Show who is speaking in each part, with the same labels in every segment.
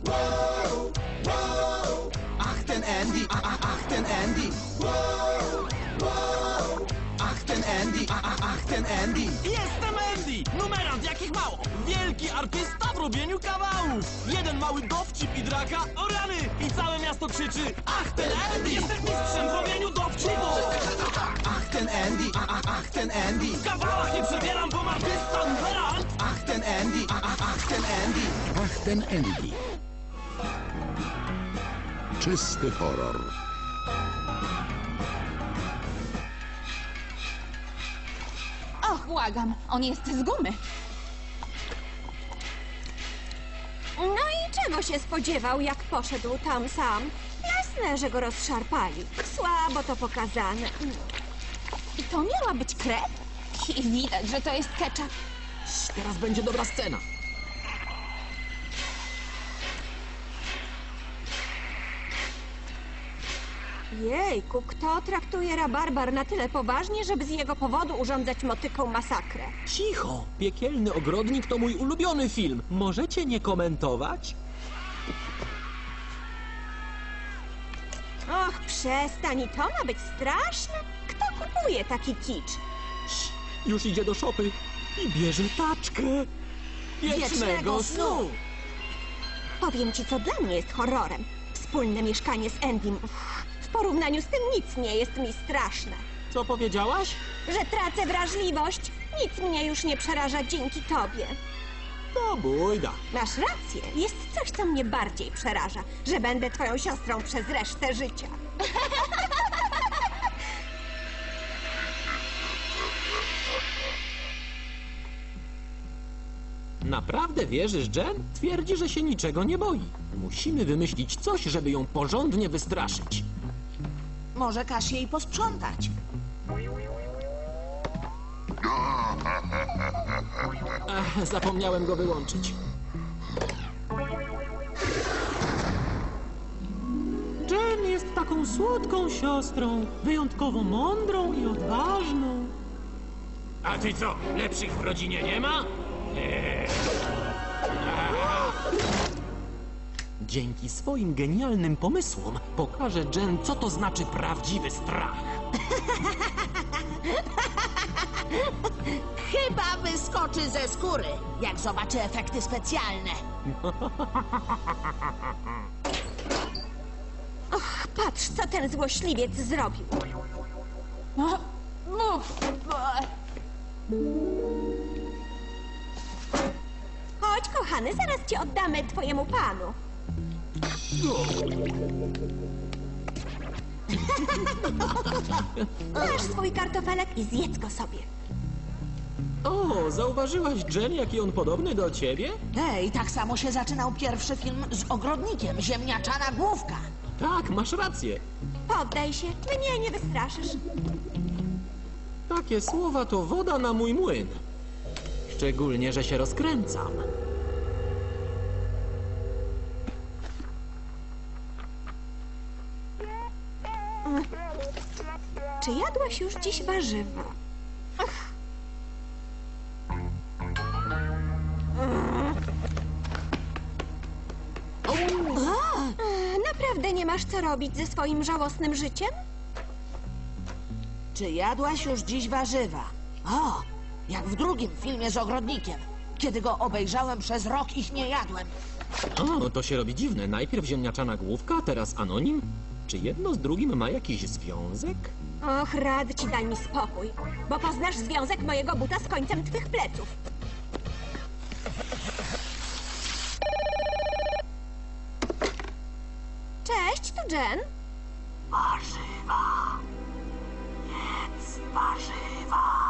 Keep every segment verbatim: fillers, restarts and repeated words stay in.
Speaker 1: Ach, ten Andy, a, a, ach, ten Andy. Ach, ten Andy, a, a, ach, ten Andy.
Speaker 2: Jestem Andy! Numerant jakich mało! Wielki artysta w robieniu kawałów! Jeden mały dowcip i draka, o rany! I całe miasto krzyczy: ach, ten Andy! Jestem mistrzem w robieniu dowcipów!
Speaker 1: Ach, ten Andy, a, a, ach, ten Andy.
Speaker 2: W kawałach nie przebieram, bo artysta numerant!
Speaker 1: Ach, ten Andy, a, a, ach, ten Andy.
Speaker 3: Ach, ten Andy. Czysty horror.
Speaker 4: Och, błagam, on jest z gumy.
Speaker 5: No i czego się spodziewał, jak poszedł tam sam? Jasne, że go rozszarpali. Słabo to pokazane.
Speaker 4: I to miała być krew? I widać, że to jest ketchup.
Speaker 2: Teraz będzie dobra scena.
Speaker 5: Jejku, kto traktuje rabarbar na tyle poważnie, żeby z jego powodu urządzać motyką masakrę?
Speaker 2: Cicho! Piekielny ogrodnik to mój ulubiony film. Możecie nie komentować?
Speaker 5: Och, przestań, i to ma być straszne? Kto kupuje taki kicz?
Speaker 2: Już idzie do szopy i bierze taczkę. Wiecznego snu!
Speaker 5: Powiem ci, co dla mnie jest horrorem. Wspólne mieszkanie z Endym. Uff, w porównaniu z tym nic nie jest mi straszne.
Speaker 2: Co powiedziałaś?
Speaker 5: Że tracę wrażliwość, nic mnie już nie przeraża dzięki tobie.
Speaker 2: To bójda.
Speaker 5: Masz rację, jest coś, co mnie bardziej przeraża, że będę twoją siostrą przez resztę życia.
Speaker 2: Naprawdę wierzysz, Jen? Twierdzi, że się niczego nie boi. Musimy wymyślić coś, żeby ją porządnie wystraszyć.
Speaker 6: Może każ jej posprzątać.
Speaker 2: Ach, zapomniałem go wyłączyć. Jen jest taką słodką siostrą, wyjątkowo mądrą i odważną.
Speaker 7: A ty co, lepszych w rodzinie nie ma?
Speaker 2: Dzięki swoim genialnym pomysłom pokażę Jen, co to znaczy prawdziwy strach.
Speaker 6: Chyba wyskoczy ze skóry, jak zobaczy efekty specjalne.
Speaker 5: Patrz, co ten złośliwiec zrobił.
Speaker 4: O, Uf, e,
Speaker 5: Chodź, kochany, zaraz cię oddamy twojemu panu. Masz swój kartofelek i zjedz go sobie.
Speaker 2: O, zauważyłaś, Jen, jaki on podobny do ciebie?
Speaker 6: Ej, tak samo się zaczynał pierwszy film z ogrodnikiem, ziemniaczana główka.
Speaker 2: Tak, masz rację.
Speaker 5: Poddaj się, mnie nie wystraszysz.
Speaker 2: Takie słowa to woda na mój młyn. Szczególnie, że się rozkręcam.
Speaker 5: Czy jadłaś już dziś warzywa? Ach. Naprawdę nie masz co robić ze swoim żałosnym życiem?
Speaker 6: Czy jadłaś już dziś warzywa? O, jak w drugim filmie z ogrodnikiem. Kiedy go obejrzałem, przez rok ich nie jadłem.
Speaker 2: O, to się robi dziwne. Najpierw ziemniaczana główka, teraz anonim. Czy jedno z drugim ma jakiś związek?
Speaker 5: Och, rad ci, daj mi spokój, bo poznasz związek mojego buta z końcem twych pleców. Cześć, tu Jen.
Speaker 6: Warzywa. Jedz warzywa.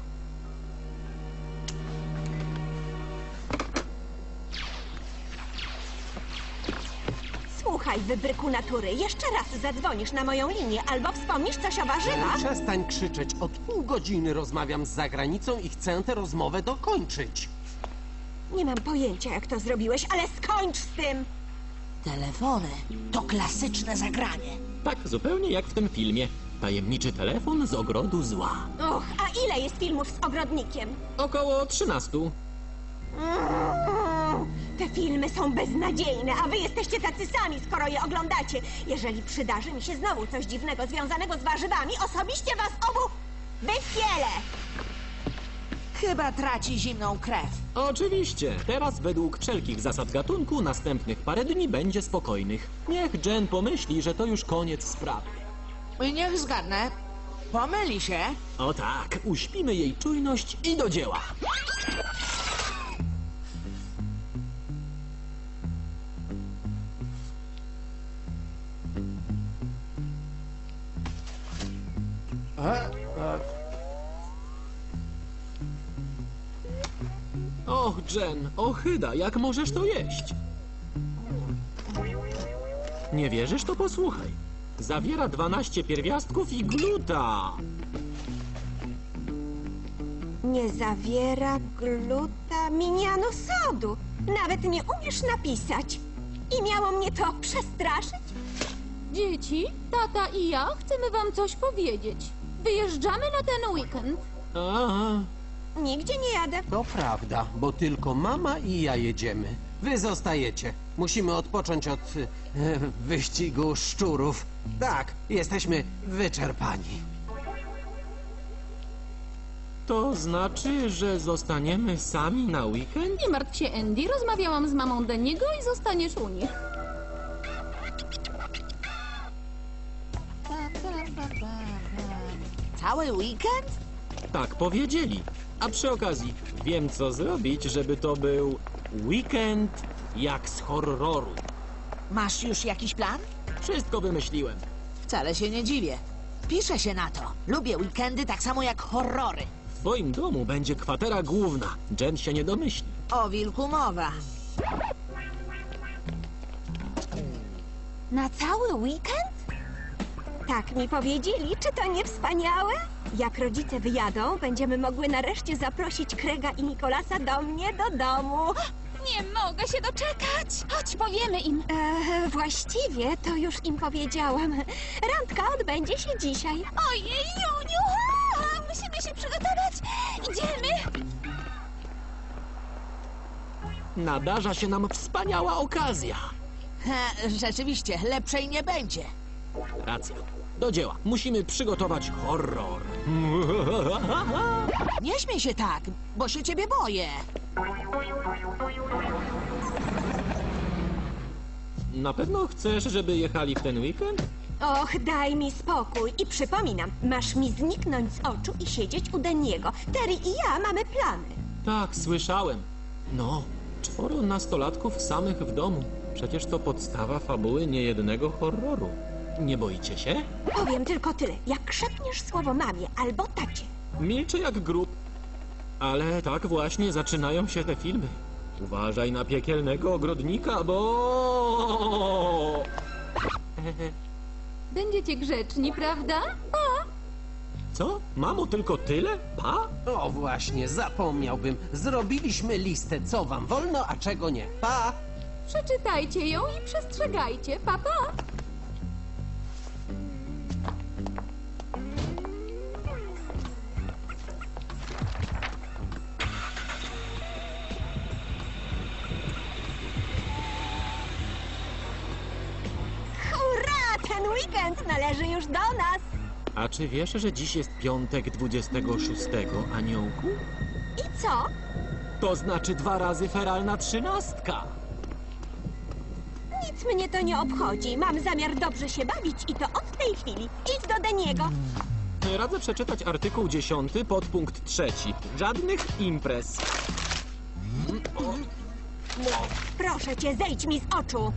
Speaker 5: Słuchaj, wybryku natury, jeszcze raz zadzwonisz na moją linię albo wspomnisz coś o warzywach.
Speaker 8: Przestań krzyczeć. Od pół godziny rozmawiam z zagranicą i chcę tę rozmowę dokończyć.
Speaker 5: Nie mam pojęcia, jak to zrobiłeś, ale skończ z tym!
Speaker 6: Telefony to klasyczne zagranie.
Speaker 2: Tak, zupełnie jak w tym filmie. Tajemniczy telefon z ogrodu zła.
Speaker 5: Och, a ile jest filmów z ogrodnikiem?
Speaker 2: Około trzynastu.
Speaker 5: Mm, Te filmy są beznadziejne, a wy jesteście tacy sami, skoro je oglądacie. Jeżeli przydarzy mi się znowu coś dziwnego związanego z warzywami, osobiście was obu wypielę!
Speaker 6: Chyba traci zimną krew.
Speaker 2: Oczywiście. Teraz według wszelkich zasad gatunku następnych parę dni będzie spokojnych. Niech Jen pomyśli, że to już koniec sprawy.
Speaker 6: I niech zgadnę. Pomyli się.
Speaker 2: O tak, uśpimy jej czujność i do dzieła. Och, Jen, ochyda, jak możesz to jeść? Nie wierzysz, to posłuchaj. Zawiera dwanaście pierwiastków i gluta.
Speaker 5: Nie zawiera glutaminianu sodu. Nawet nie umiesz napisać. I miało mnie to przestraszyć?
Speaker 4: Dzieci, tata i ja chcemy wam coś powiedzieć. Wyjeżdżamy na ten weekend.
Speaker 2: Aha.
Speaker 5: Nigdzie nie jadę.
Speaker 8: To prawda, bo tylko mama i ja jedziemy. Wy zostajecie. Musimy odpocząć od e, wyścigu szczurów. Tak, jesteśmy wyczerpani.
Speaker 2: To znaczy, że zostaniemy sami na weekend?
Speaker 4: Nie martw się, Andy. Rozmawiałam z mamą Deniego i zostaniesz u nich.
Speaker 6: Cały weekend?
Speaker 2: Tak powiedzieli. A przy okazji, wiem co zrobić, żeby to był weekend jak z horroru.
Speaker 6: Masz już jakiś plan?
Speaker 2: Wszystko wymyśliłem.
Speaker 6: Wcale się nie dziwię. Piszę się na to. Lubię weekendy tak samo jak horrory.
Speaker 2: W twoim domu będzie kwatera główna. Jen się nie domyśli.
Speaker 6: O wilku mowa.
Speaker 5: Na cały weekend? Tak mi powiedzieli. Czy to nie wspaniałe? Jak rodzice wyjadą, będziemy mogły nareszcie zaprosić Craiga i Nicolasa do mnie do domu.
Speaker 4: Nie mogę się doczekać. Chodź, powiemy im.
Speaker 5: E, właściwie to już im powiedziałam. Randka odbędzie się dzisiaj.
Speaker 4: Ojej, Juniu! A, musimy się przygotować. Idziemy.
Speaker 2: Nadarza się nam wspaniała okazja.
Speaker 6: He, rzeczywiście, lepszej nie będzie.
Speaker 2: Racja. Do dzieła. Musimy przygotować horror.
Speaker 6: Nie śmiej się tak, bo się ciebie boję.
Speaker 2: Na pewno chcesz, żeby jechali w ten weekend?
Speaker 5: Och, daj mi spokój. I przypominam, masz mi zniknąć z oczu i siedzieć u Deniego. Terry i ja mamy plany.
Speaker 2: Tak, słyszałem. No, czworo nastolatków samych w domu. Przecież to podstawa fabuły niejednego horroru. Nie boicie się?
Speaker 5: Powiem tylko tyle. Jak szepniesz słowo mamie albo tacie,
Speaker 2: Milczę jak grób. Ale tak właśnie zaczynają się te filmy. Uważaj na piekielnego ogrodnika, bo...
Speaker 4: Będziecie grzeczni, prawda? Pa!
Speaker 2: Co? Mamo, tylko tyle? Pa?
Speaker 8: O właśnie, zapomniałbym. Zrobiliśmy listę, co wam wolno, a czego nie. Pa!
Speaker 4: Przeczytajcie ją i przestrzegajcie. Pa, pa!
Speaker 5: hurra! Ten weekend należy już do nas.
Speaker 2: A czy wiesz, że dziś jest piątek dwudziestego szóstego, aniołku?
Speaker 5: I co?
Speaker 2: To znaczy dwa razy feralna trzynastka.
Speaker 5: Nic mnie to nie obchodzi. Mam zamiar dobrze się bawić i to od tej chwili. Idź do Deniego.
Speaker 2: Radzę przeczytać artykuł dziesiąty, podpunkt trzeci. Żadnych imprez.
Speaker 5: Proszę cię, zejdź mi z oczu.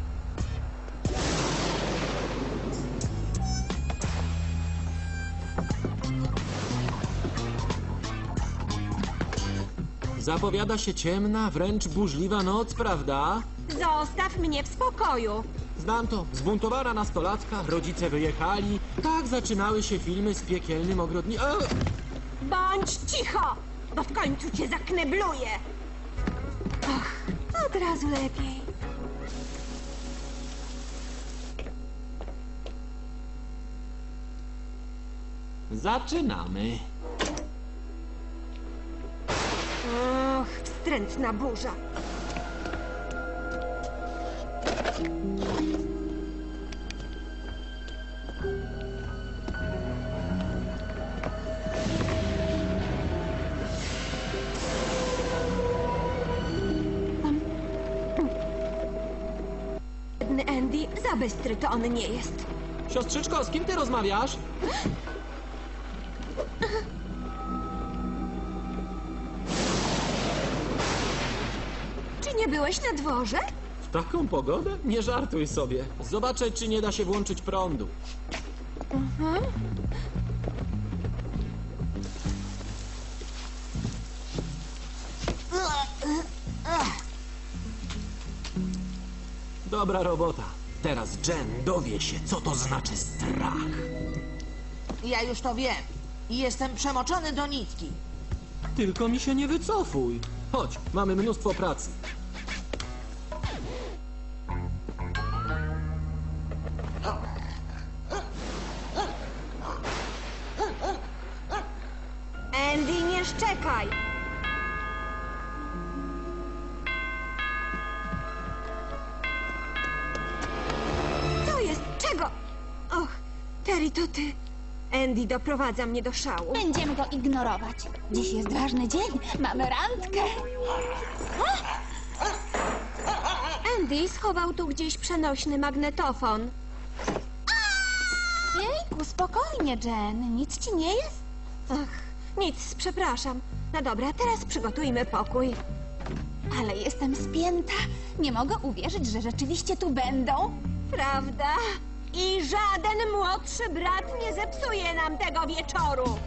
Speaker 2: Zapowiada się ciemna, wręcz burzliwa noc, prawda?
Speaker 5: Zostaw mnie w spokoju.
Speaker 2: Znam to. Zbuntowana nastolatka, rodzice wyjechali. Tak zaczynały się filmy z piekielnym ogrodnikiem.
Speaker 5: Bądź cicho, bo w końcu cię zaknebluję. Och, od razu lepiej.
Speaker 2: Zaczynamy.
Speaker 5: Och, wstrętna burza. Biedny Andy, za bystry to on nie jest.
Speaker 2: Siostrzyczko, z kim ty rozmawiasz?
Speaker 5: Czy nie byłeś na dworze?
Speaker 2: W taką pogodę? Nie żartuj sobie. Zobaczę, czy nie da się włączyć prądu. Dobra robota. Teraz Jen dowie się, co to znaczy strach.
Speaker 6: Ja już to wiem. I jestem przemoczony do nitki.
Speaker 2: Tylko mi się nie wycofuj. Chodź, mamy mnóstwo pracy.
Speaker 5: Andy, nie szczekaj! Co jest? Czego? Och, Terry, to ty. Andy doprowadza mnie do szału.
Speaker 4: Będziemy go ignorować. Dziś jest ważny dzień. Mamy randkę.
Speaker 5: Andy schował tu gdzieś przenośny magnetofon.
Speaker 4: Jejku, spokojnie, Jen. Nic ci nie jest?
Speaker 5: Ach, nic, przepraszam. No dobra, teraz przygotujmy pokój.
Speaker 4: Ale jestem spięta. Nie mogę uwierzyć, że rzeczywiście tu będą.
Speaker 5: Prawda? I żaden młodszy brat nie zepsuje nam tego wieczoru.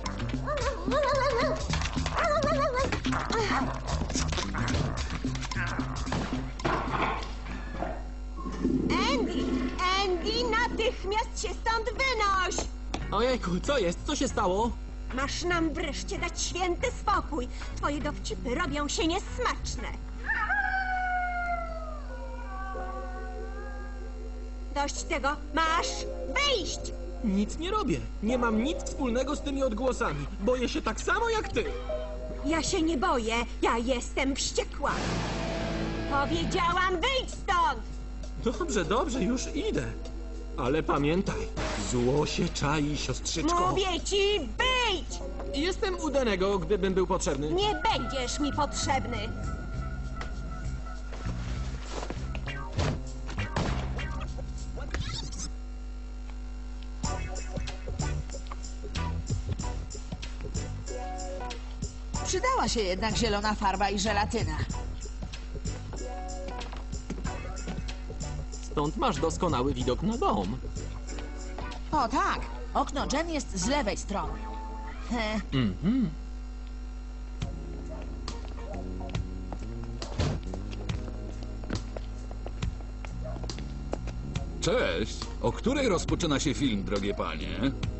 Speaker 5: Andy! Andy, natychmiast się stąd wynoś!
Speaker 2: Ojejku, co jest? Co się stało?
Speaker 5: Masz nam wreszcie dać święty spokój. Twoje dowcipy robią się niesmaczne. Dość tego. Masz wyjść!
Speaker 2: Nic nie robię. Nie mam nic wspólnego z tymi odgłosami. Boję się tak samo jak ty.
Speaker 5: Ja się nie boję. Ja jestem wściekła. Powiedziałam, wyjdź stąd!
Speaker 2: Dobrze, dobrze, już idę. Ale pamiętaj, zło się czai, siostrzyczko.
Speaker 5: Mówię ci, wyjdź!
Speaker 2: Jestem u Danego, gdybym był potrzebny.
Speaker 5: Nie będziesz mi potrzebny.
Speaker 6: Przydała się jednak zielona farba i żelatyna.
Speaker 2: Stąd masz doskonały widok na dom.
Speaker 6: O tak, okno Jen jest z lewej strony. He.
Speaker 9: Cześć! O której rozpoczyna się film, drogie panie?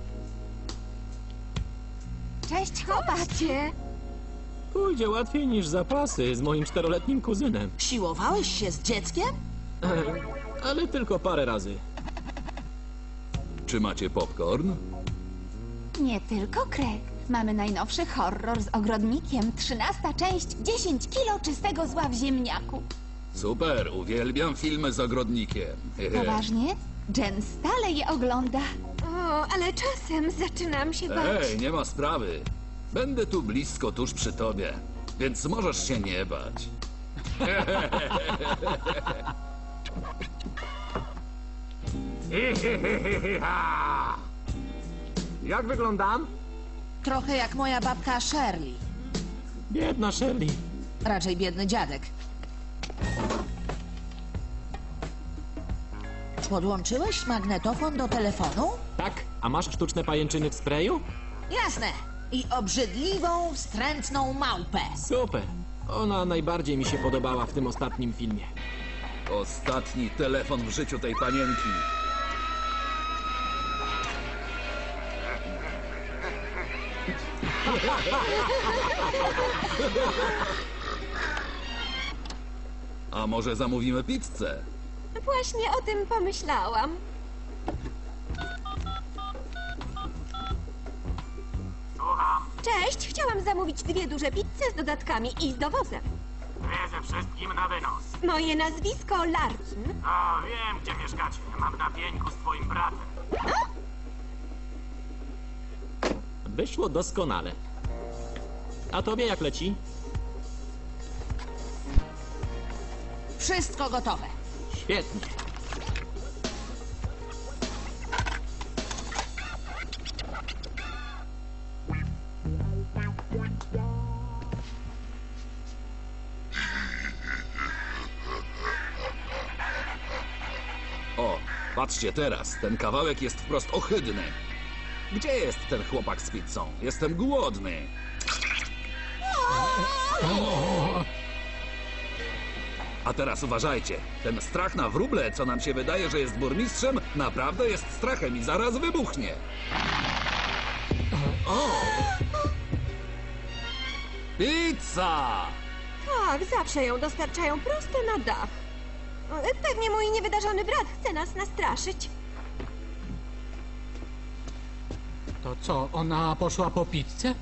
Speaker 4: Cześć, chłopacie.
Speaker 2: Pójdzie łatwiej niż zapasy z moim czteroletnim kuzynem.
Speaker 6: Siłowałeś się z dzieckiem?
Speaker 2: Ale tylko parę razy.
Speaker 9: Czy macie popcorn?
Speaker 4: Nie tylko Craig. Mamy najnowszy horror z ogrodnikiem. Trzynasta część. dziesięć kilo czystego zła w ziemniaku.
Speaker 9: Super, uwielbiam filmy z ogrodnikiem.
Speaker 4: Poważnie? Jen stale je ogląda.
Speaker 5: O, ale czasem zaczynam się bać.
Speaker 9: Ej, nie ma sprawy. Będę tu blisko, tuż przy tobie, więc możesz się nie bać.
Speaker 2: Jak wyglądam?
Speaker 6: Trochę jak moja babka Shirley.
Speaker 2: Biedna Shirley.
Speaker 6: Raczej biedny dziadek. Podłączyłeś magnetofon do telefonu?
Speaker 2: Tak, a masz sztuczne pajęczyny w sprayu?
Speaker 6: Jasne. I obrzydliwą, wstrętną małpę.
Speaker 2: Super. Ona najbardziej mi się podobała w tym ostatnim filmie.
Speaker 9: Ostatni telefon w życiu tej panienki. A może zamówimy pizzę?
Speaker 5: Właśnie o tym pomyślałam. Cześć, chciałam zamówić dwie duże pizze z dodatkami i z dowozem.
Speaker 7: Wiedzę wszystkim na wynos.
Speaker 5: Moje nazwisko Larkin.
Speaker 7: O, wiem, gdzie mieszkacie. Mam na pieńku z twoim bratem.
Speaker 2: Wyszło doskonale. A tobie jak leci?
Speaker 6: Wszystko gotowe.
Speaker 2: Świetnie.
Speaker 9: O, patrzcie teraz, ten kawałek jest wprost ohydny. Gdzie jest ten chłopak z pizzą? Jestem głodny. A teraz uważajcie, ten strach na wróble, co nam się wydaje, że jest burmistrzem, naprawdę jest strachem i zaraz wybuchnie. O! Pizza!
Speaker 5: Tak, zawsze ją dostarczają prosto na dach. E, Pewnie mój niewydarzony brat chce nas nastraszyć.
Speaker 7: To co, ona poszła po pizzę?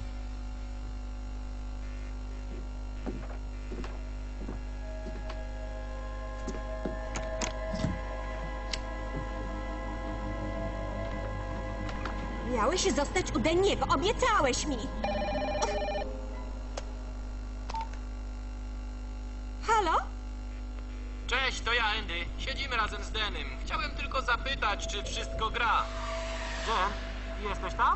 Speaker 5: Miałeś zostać u Deniego, obiecałeś mi. Halo?
Speaker 2: Cześć, to ja, Andy. Siedzimy razem z Denem. Chciałem tylko zapytać, czy wszystko gra. Jen, jesteś tam?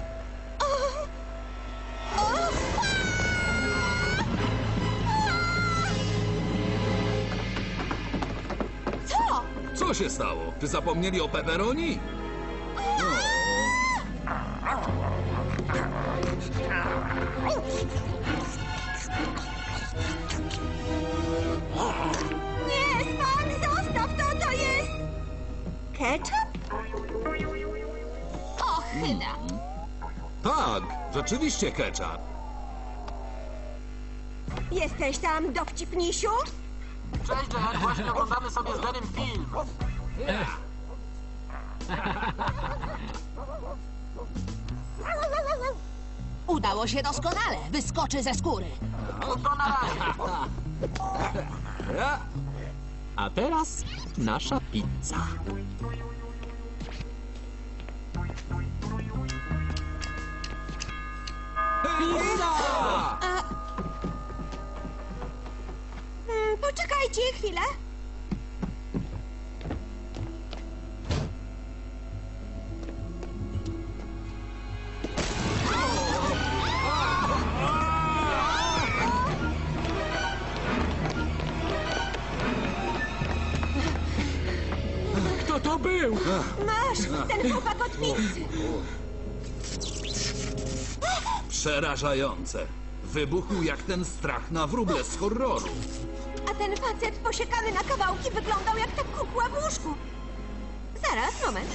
Speaker 5: Co?
Speaker 9: Co się stało? Czy zapomnieli o pepperoni?
Speaker 5: Nie, Span, zostaw to, to jest... Ketchup?
Speaker 4: Ochyda.
Speaker 9: Tak, rzeczywiście ketchup.
Speaker 5: Jesteś tam, dowcipnisiu?
Speaker 2: Cześć, Jen. Właśnie oglądamy sobie z Denem film.
Speaker 6: Udało się doskonale. Wyskoczy ze skóry.
Speaker 2: To na razie. A teraz nasza pizza.
Speaker 5: Hmm, poczekajcie chwilę.
Speaker 7: Kto to był?
Speaker 5: Masz, ten chłopak od pizzy.
Speaker 9: Przerażające. Wybuchł jak ten strach na wróble z horroru.
Speaker 5: A ten facet posiekany na kawałki wyglądał jak ta kukła w łóżku. Zaraz, moment.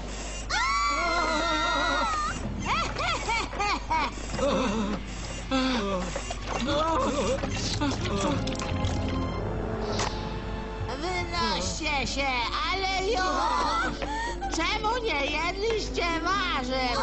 Speaker 6: Wynoście się, ale już! Czemu nie jedliście warzyw?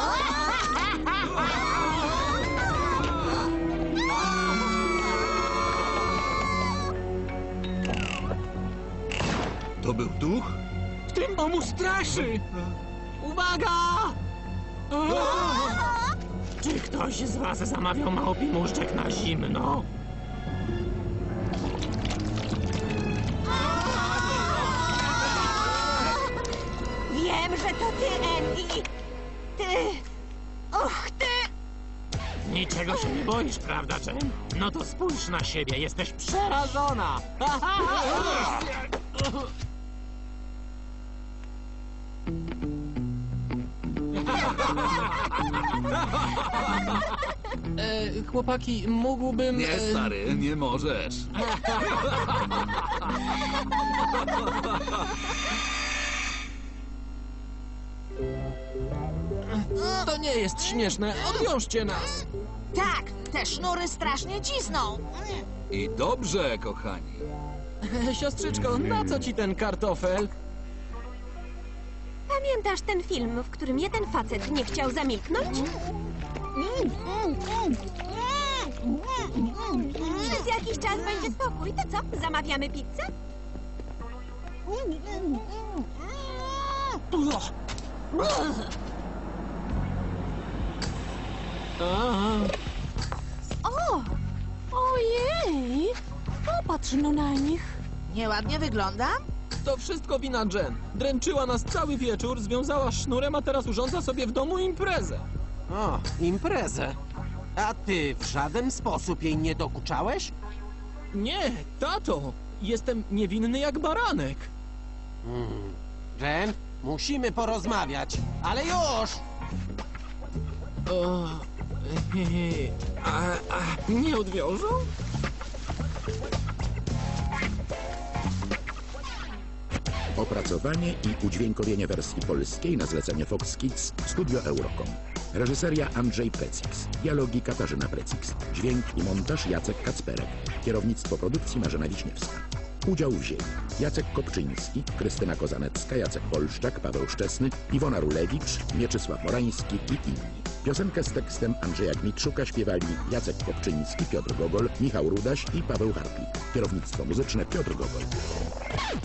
Speaker 9: To był duch?
Speaker 7: Tym mu straszy!
Speaker 2: Uwaga! Czy ktoś z was zamawiał małpi muszczek na zimno?
Speaker 5: Wiem, że to ty, Andy. Ty... Och, ty...
Speaker 2: Niczego się nie boisz, prawda, Jen? No to spójrz na siebie, jesteś przerażona!
Speaker 7: E, chłopaki, mógłbym...
Speaker 9: Nie,
Speaker 7: e,
Speaker 9: stary, nie możesz.
Speaker 7: To nie jest śmieszne, odwiążcie nas!
Speaker 6: Tak, te sznury strasznie cisną.
Speaker 9: I dobrze, kochani.
Speaker 7: Siostrzyczko, na co ci ten kartofel?
Speaker 5: Pamiętasz ten film, w którym jeden facet nie chciał zamilknąć? Przez jakiś czas będzie spokój. To co, zamawiamy pizzę?
Speaker 4: O! Ojej! Popatrz no na nich.
Speaker 6: Nieładnie wyglądam?
Speaker 2: To wszystko wina Jen. Dręczyła nas cały wieczór, związała sznurem, a teraz urządza sobie w domu imprezę.
Speaker 8: O, imprezę. A ty w żaden sposób jej nie dokuczałeś?
Speaker 2: Nie, tato! Jestem niewinny jak baranek.
Speaker 8: Jen, musimy porozmawiać, ale już!
Speaker 2: O, a, a nie odwiążą?
Speaker 3: Opracowanie i udźwiękowienie wersji polskiej na zlecenie Fox Kids Studio Eurocom. Reżyseria Andrzej Precix. Dialogi Katarzyna Precix. Dźwięk i montaż Jacek Kacperek. Kierownictwo produkcji Marzena Wiśniewska. Udział wzięli Jacek Kopczyński, Krystyna Kozanecka, Jacek Polszczak, Paweł Szczesny, Iwona Rulewicz, Mieczysław Morański i inni. Piosenkę z tekstem Andrzeja Gmitrzuka śpiewali Jacek Kopczyński, Piotr Gogol, Michał Rudaś i Paweł Hartlik. Kierownictwo muzyczne Piotr Gogol.